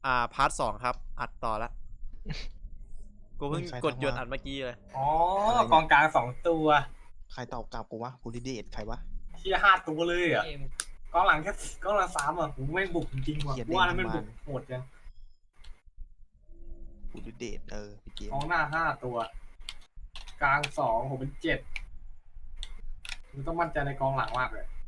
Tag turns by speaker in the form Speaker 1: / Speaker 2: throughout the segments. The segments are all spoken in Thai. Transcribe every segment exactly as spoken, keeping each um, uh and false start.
Speaker 1: อ่าพาร์ทสองครับอัดต่อละกูเพิ่งกดหยุดอัดเมื่อกี้เลย
Speaker 2: อ๋อกองกลางสองตัว
Speaker 3: ใครตอบกลับกูวะกูดิเดตใครวะ
Speaker 2: เที่ห้าตัวเลยอ่ะกองหลังแค่กองหลังสามอ่ะผมไม่บุกจริงๆว่ะว่าแล้วมันบุกโหดจัง
Speaker 3: กูดิเดตเออพี่เกม
Speaker 2: กองหน้าห้าตัว กลางสองผมเป็นเจ็ดมึงต้องมั่นใจในกองหลังมากเลย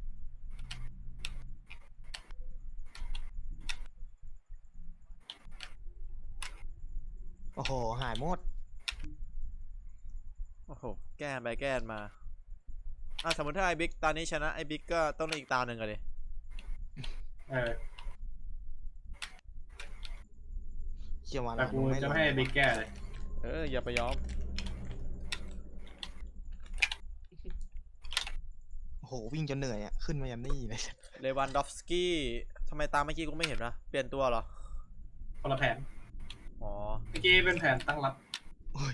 Speaker 3: โอ้โหหายหมด
Speaker 1: โอ้โหแก้ไปแก้มาอ่ะสมมติถ้าไอ้บิ๊กตอนนี้ชนะไอ้บิ๊กก็ต้องเล่นอีกตาหนึ่งกันเลย
Speaker 2: เออ
Speaker 3: เชี่ยมา
Speaker 2: แต่กูจะไม่ให้บิ๊กแก้เลย
Speaker 1: เอออย่าไปยอม
Speaker 3: โอ้โหวิ่งจนเหนื่อยอ่ะขึ้นมายันนี่เลย
Speaker 1: เลวันดอฟสกี้ทำไมตามเมื่อกี้กูไม่เห็นนะเปลี่ยนตัวเหรอ
Speaker 2: คนละแผน
Speaker 1: อ๋อ
Speaker 2: เมื่อกี้เป็นแผนตั้งรับ
Speaker 3: โอ้ย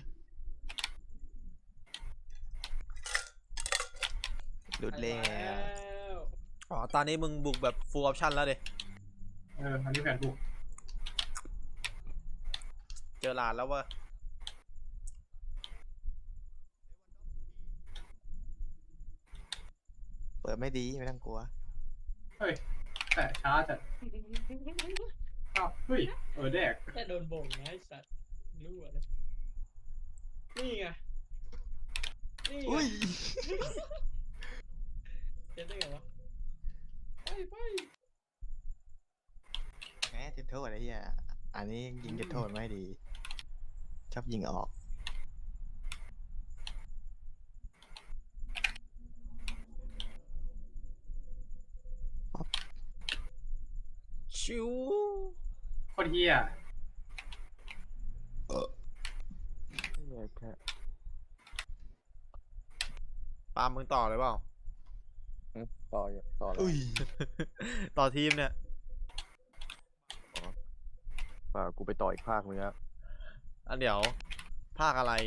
Speaker 3: หลุดแล้ว
Speaker 1: อ๋อตอนนี้มึงบุกแบบ full option แล้วดิ
Speaker 2: เอออันนี้แผนบุก
Speaker 1: เจอหลานแล้ววะ
Speaker 3: เปิดไม่ดีไม่ต้องกลัว
Speaker 2: เฮ้ยแต่ช้าจัดอ้าวเฮ้ยเออแดก
Speaker 4: แค่โดนบ่งนะไอ้สัตว์รู้อะไรนี่ไงนี่ไงเจ็ดได้ไงวะไปไป
Speaker 3: แหมจุดโทษอะไรเฮียอันนี้ยิงจุดโทษไม่ดีชอบยิงออก
Speaker 1: ชิว
Speaker 2: โคตรเฮีย
Speaker 1: เออแค่ปาล์มมึงต่อเลยเปล่า
Speaker 5: ต่ออยู่ต่อแล้ว
Speaker 1: ต่อทีมเนี่ย
Speaker 5: ป่ากูไปต่ออีกภาคนึงครับ
Speaker 1: อันเดี๋ยวภาคอะไร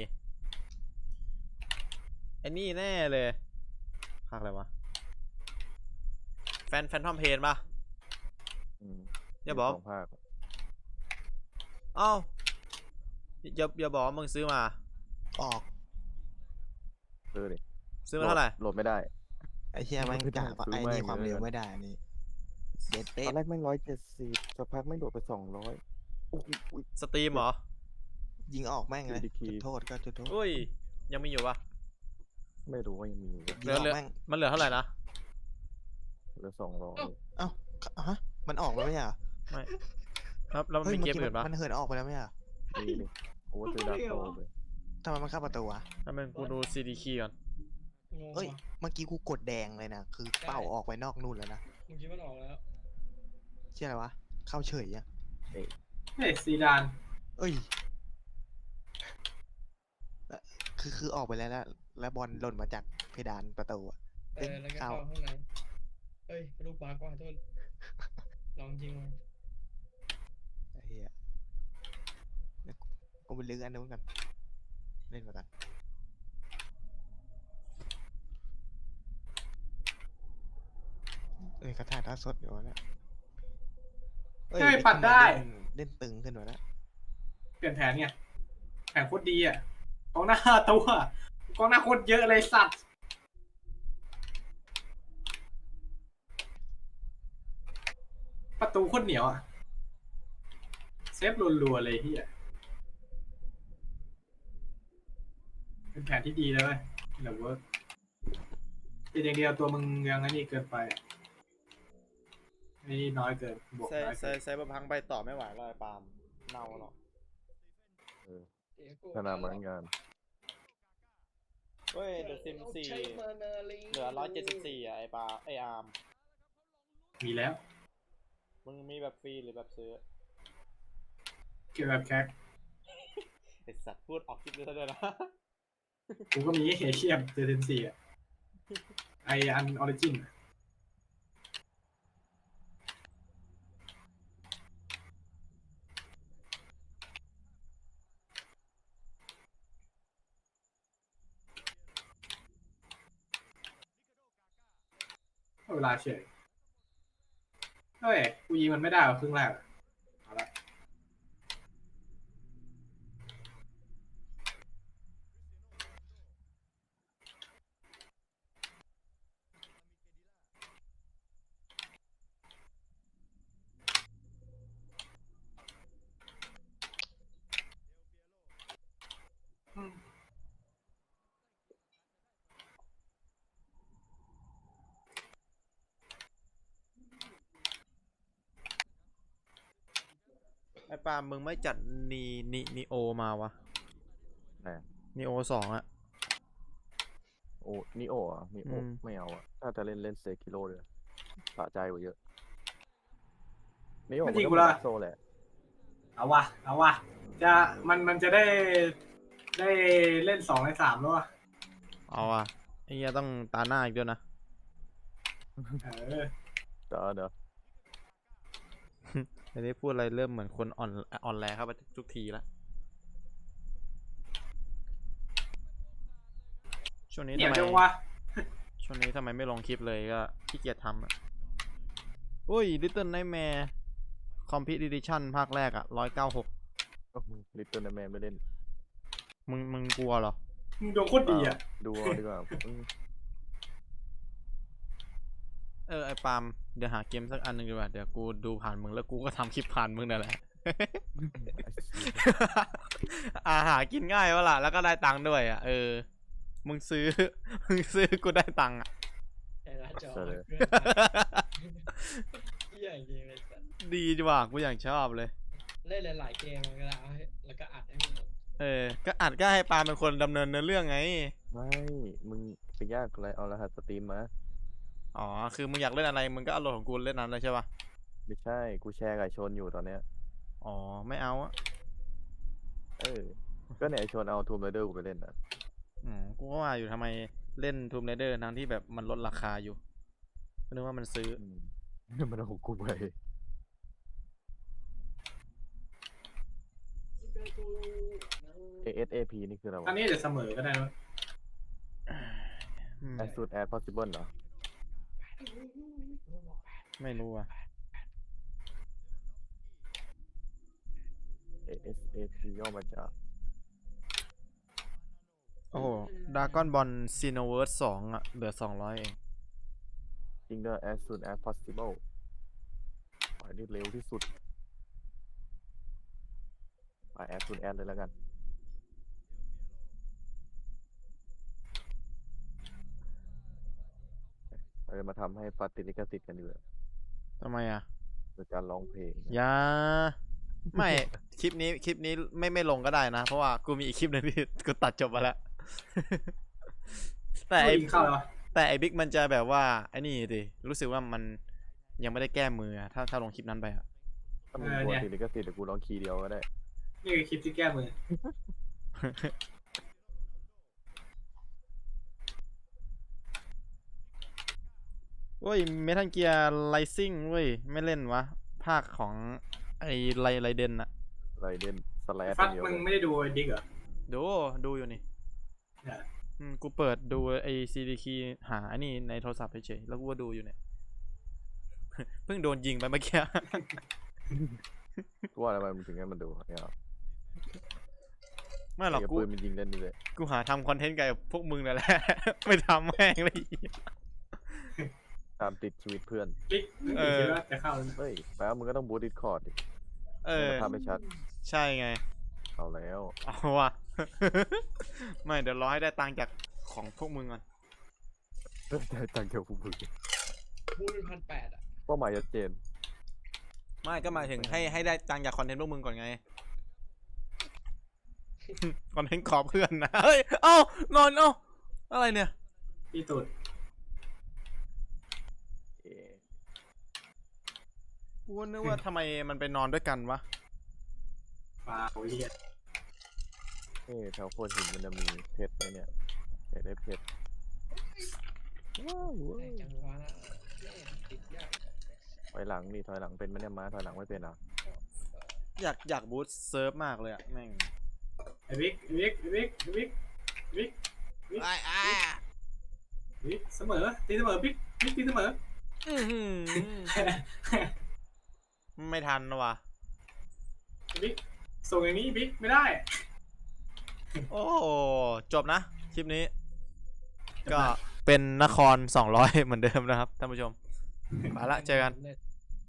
Speaker 1: ไอ้นี่แน่เลยภาคอะไรวะแฟนแฟนทอมเพนปะอย่าบอก
Speaker 5: ภาค
Speaker 1: อ้าวอย่าอย่าบอกมึงซื้อมา
Speaker 3: ออก
Speaker 5: ซื้อดิ
Speaker 1: ซื้อมาเท่าไหร่
Speaker 5: โหลดไม่ได้
Speaker 3: ไอ้เชี่ยมันกะไอ้นี่ความเร็วไม่ได้นี่เด็ดเป๊ะ
Speaker 5: ตอนแรกแม่งร้อยเจ็ดสิบสักพักไม่โดดไปสองร้อย
Speaker 1: สตรีมเหรอ
Speaker 3: ยิงออกแม่งเลยจุดโทษก็จุดโทษ
Speaker 1: อุ้ยยังมีอยู่ปะ
Speaker 5: ไม่รู้ว่ายังมี
Speaker 1: เหลือเหลือมันเหลือเท่าไหร่นะ
Speaker 5: เหลือสองร้อย
Speaker 3: เอ้าฮะมันออกแล้วไม่ใช่เหรอ
Speaker 1: ไม่ครับแล้วมันมีเกมอื่นปะ
Speaker 3: มันเหินออกไปแล้วไม่ใช่เหรอ
Speaker 5: มีเลยโอ้ซื้อดาวโตเลย
Speaker 3: ทำไมมันเข้าประตูวะ
Speaker 1: ทำไมกูดูซีดีคีก่อน
Speaker 3: เฮ้ยเมื่อกี้กูกดแดงเลยนะคือเป้าออกไปนอกนู่นแล้วนะ
Speaker 4: เมื่อกี้มันออกแล้ว
Speaker 3: เชื่ออะไรวะเข้าเฉยอ่ะ
Speaker 2: เฮ้ยซีดาน
Speaker 3: เอ้ยคือคือออกไปแล้วแล้วบอลหล่นมาจากเพดานประตูอ่ะ
Speaker 4: เออแล้วก็เข้าข้างในเฮ้ยลูกบาสกว่าโทษลองยิงมา
Speaker 3: ไอ้เหี้ยกูไปลื้ออันนู้นกันเล่นมากันเอ้ยกระถ่ายท่าสดอยู่แล้ว
Speaker 2: เฮ้ยปัดได้
Speaker 3: เล่นตึงขึ้นมาแล้ว
Speaker 2: เปลี่ยนแผนเนี่ยแผนโคตรดีอ่ะกองหน้าตัวกองหน้าโคตรเยอะเลยสัตว์ประตูโคตรเหนียวอ่ะเซฟรัวๆเลยที่อ่ะเป็นแผนที่ดีเลยเว้ยแต่ว่าเป็นอย่างเดียวตัวมึงยังไงนี่เกินไปนี่น้อยเกินบวกน้อย
Speaker 1: เกินใส่บะพังไปต่อไม่ไหวเลยปาล์มเน่าหรอก
Speaker 5: ขนาดเหมือนกัน
Speaker 1: เฮ้ยเดอะซิมสี่เหลือร้อยเจ็ดสิบสี่อ่ะไอปาไออาร์ม
Speaker 2: มีแล้ว
Speaker 1: มึงมีแบบฟรีหรือแบบซื้อ
Speaker 2: เกี่ยวกับแคค
Speaker 1: ไอสัตว์พูดออกคลิปด้วยนะ
Speaker 2: กูก็มีเฮเชียมเดอะซิมสี่อ่ะไออันออริจินเวลาเฉยเฮ้ยกูยิงมันไม่ได้หรอครึ่งแรกเอาละ
Speaker 1: ไอ้ปาล์มมึงไม่จัดนีนีนีโอมาวะ
Speaker 5: ไหน
Speaker 1: นีโอสองอะ
Speaker 5: โอ้นิโออ่ะนิโอ
Speaker 1: อืม
Speaker 5: ไม่เอาอ่ะถ้าจะเล่นเล่นเซกิโลเลยสะใจกว่าเยอะนิโอ
Speaker 2: ไม่
Speaker 5: มัน
Speaker 2: จริง
Speaker 5: ก็
Speaker 2: กู
Speaker 5: เหมือน
Speaker 2: ละ
Speaker 5: ดาร์กโซแหละ
Speaker 2: เอาวะเอาวะจะมันมันจะได้ได้เล่นสองในสามแล้ววะ
Speaker 1: เอาอะไอ้เหี้ยต้องตาหน้าอีกด้วยนะ
Speaker 2: เออ
Speaker 5: เดี๋ยวเดี๋ยว
Speaker 1: อันนี้พูดอะไรเริ่มเหมือนคนอ่อนอ่อนแรงครับทุกทีละช่วงนี้
Speaker 2: เดี๋
Speaker 1: ทำ
Speaker 2: ยว
Speaker 1: ไม
Speaker 2: จังวะ
Speaker 1: ช่วงนี้ทำไมไม่ลงคลิปเลยก็ขี้เกียจทำอะอุ้ย Little Nightmare Complete Edition ภาคแรกอะร้อยเก้าหก
Speaker 5: ลิตเติ้ลแมนไม่เล่น
Speaker 1: มึงมึงกลัวเหรอ
Speaker 2: มึงดวงโคตรดีอ่ะ
Speaker 5: ดูเอาดีกว่าอืม
Speaker 1: เออไอปาล์มเดี๋ยวหาเกมสักอันหนึ่งดีกว่า เดี๋ยวกูดูผ่านมึงแล้วกูก็ทำคลิปผ่านมึงนั่นแหละ อาหากินง่ายวะล่ะแล้วก็ได้ตังค์ด้วยอ่ะเออมึงซื้อ มึงซื้อกูได้ตังค์อ่ะ
Speaker 4: แต่ละจอ
Speaker 5: เสร็จเลย
Speaker 4: เพื่อนเหี้ยจริงเลยสัตว์
Speaker 1: ดีจังว่ะกูอย่างชอบเลย
Speaker 4: เล่นหลายๆเกมมันก็แล้วให้แล้วก็อัดให้มันหมด
Speaker 1: เออ ก็อัดก็ให้ปาล์มเป็นคนดำเนินเนื้อเรื่องไง
Speaker 5: ไม่ มึงไปยากอะไรเอารหัสสตรีมมา
Speaker 1: อ๋อ คือมึงอยากเล่นอะไร มึงก็เอาโหลดของกูเล่นนั้นเลยใช่ปะ
Speaker 5: ไม่ใช่ กูแชร์กับไอ้ชนอยู่ตอนเนี้ย
Speaker 1: อ๋อ ไม่เอาอะ
Speaker 5: เออ ก็เนี่ยไอชนเอาทูมไรเดอร์กูไปเล่นอ่ะ
Speaker 1: อืมกูก็ว่าอยู่ทำไมเล่น Tomb Raider ทั้งที่แบบมันลดราคาอยู่ก็นึกว่ามันซื้อ
Speaker 5: อืม มันเอาของกูไป เอ เอส เอ พี นี่คืออะไร
Speaker 2: อัน
Speaker 5: วะ
Speaker 2: นี้เดี๋ยวเสมอก็ได้นะ
Speaker 1: อืม
Speaker 5: as soon as possible เหรอ
Speaker 1: ไม่รู้อ่ะ
Speaker 5: เอ เอส เอ พี ย่อมาจาก
Speaker 1: โอ้โหดากอนบอลซีโนเวิร์สสองอ่ะ เหลือสองร้อยเอง
Speaker 5: จริงด้วย as soon as possible ไปได้เร็วที่สุด ไป as soon as เลยแล้วกัน เราจะมาทำให้ปฏิลิขสิทธิ์กันดีกว่า
Speaker 1: ทำไมอ่ะ
Speaker 5: โดยการร้องเพลง
Speaker 1: อย่า ไม่ คลิปนี้คลิปนี้ไม่ไม่ลงก็ได้นะ เพราะว่ากูมีอีกคลิปหนึงที่ กูตัดจบมาแล้ว แต่ไอ
Speaker 2: กินข้าวเลยวะ
Speaker 1: แต่ไอบิ๊กมันจะแบบว่าไอ้นี่ดิรู้สึกว่ามันยังไม่ได้แก้มืออะถ้าถ้าลงคลิปนั้นไปอ่ะ
Speaker 5: ถ้ามึงกลัวปฏิลิขสิทธิ์เดี๋ยวกูร้องคีย์เดียวก็ได้
Speaker 2: นี่คือคลิปที่แก้มือ
Speaker 1: เว้ยเมทัลเกียร์ไลซิ่งเว้ย ไม่เล่นวะ ภาคของไอไลไลเดนอะ
Speaker 5: ไรเดนสแลช
Speaker 2: ฟัก
Speaker 5: เดียว
Speaker 2: มึง
Speaker 5: เลย
Speaker 2: ไม่ได้ดูไอ้ดิกเหรอ
Speaker 1: ดูดูอยู่นี่
Speaker 2: เนี่ย
Speaker 1: อืมกูเปิดดูไอซีดีคีหาไอ้นี่ในโทรศัพท์เฉยๆแล้วกูก็ดูอยู่เนี่ย เพิ่งโดนยิงไปเมื่อกี้
Speaker 5: กูว่าทำไมมึงถึงให้มันดูเนี่ยหรอ
Speaker 1: ไม่หรอก
Speaker 5: ไอ้
Speaker 1: กู
Speaker 5: ปืนมันยิงเล่นนี่เลย
Speaker 1: กูหาทำคอนเทนต์กับพวกมึงนั่นแหละ ไม่ทำแม่งเลย
Speaker 5: ตามติดชีวิตเพื่อน
Speaker 2: ดิก
Speaker 1: เออ
Speaker 2: คิดว่าจะเข้า
Speaker 5: เฮ้ยแปลว่ามึงก็ต้องบูตดิสคอร์ดดิ
Speaker 1: เออ
Speaker 5: ทำให้ชัด
Speaker 1: ใช่ไง
Speaker 5: เอาแล้ว
Speaker 1: เอาว่ะ ไม่เดี๋ยวรอให้ได้ตังค์จากของพวกมึงก่อน
Speaker 5: ได้ตังค์เกี่ยวกับมึง
Speaker 4: พูดเป็นพันแปดอ่ะ
Speaker 5: เป้าหมายชัดเจน
Speaker 1: ไม่ก็หมายถึงให้ให้ได้ตังค์จากคอนเทนต์พวกมึงก่อนไง คอนเทนต์ขอเพื่อนนะ เฮ้ย เอ้านอนเอ้าอะไรเนี่ย
Speaker 2: พี่ตูด
Speaker 5: เอ๊ะ
Speaker 1: กูนึกว่าทำไมมันไปนอนด้วยกันวะ
Speaker 2: ปลาโอ้ยเหี้ย
Speaker 5: เอ๊ะแถวโคตรหินมันจะมีเพชรไหมเนี่ยอยากได้เพชรว้าวเว้
Speaker 4: แต่
Speaker 5: ย
Speaker 4: จังหวะแม่งติดยาก
Speaker 5: ถอยหลังนี่ถอยหลังเป็นไหมเนี่ยม้าถอยหลังไม่เป็นอ่ะ
Speaker 1: อยากอยากบูสต์เซิร์ฟมากเลยอะแม่ง
Speaker 2: ไอ้บิ๊กไอ้บิ๊กไอ้บิ๊กไอ้บิ๊กไอ้บิ๊ก
Speaker 1: ไอ้ไอ้
Speaker 2: บิ๊กเสมอตีเสมอบิ๊กบิ๊กตีเสมอ
Speaker 1: อื้อหือไม่ทันว่ะ
Speaker 2: บิ๊กส่งอย่างนี้บิ๊กไม่ได้
Speaker 1: โอ้โหจบนะ คลิปนี้ ก็เป็นนครสองร้อยเหมือนเดิมนะครับท่านผู้ชม ไปละเจอกัน
Speaker 4: เล่น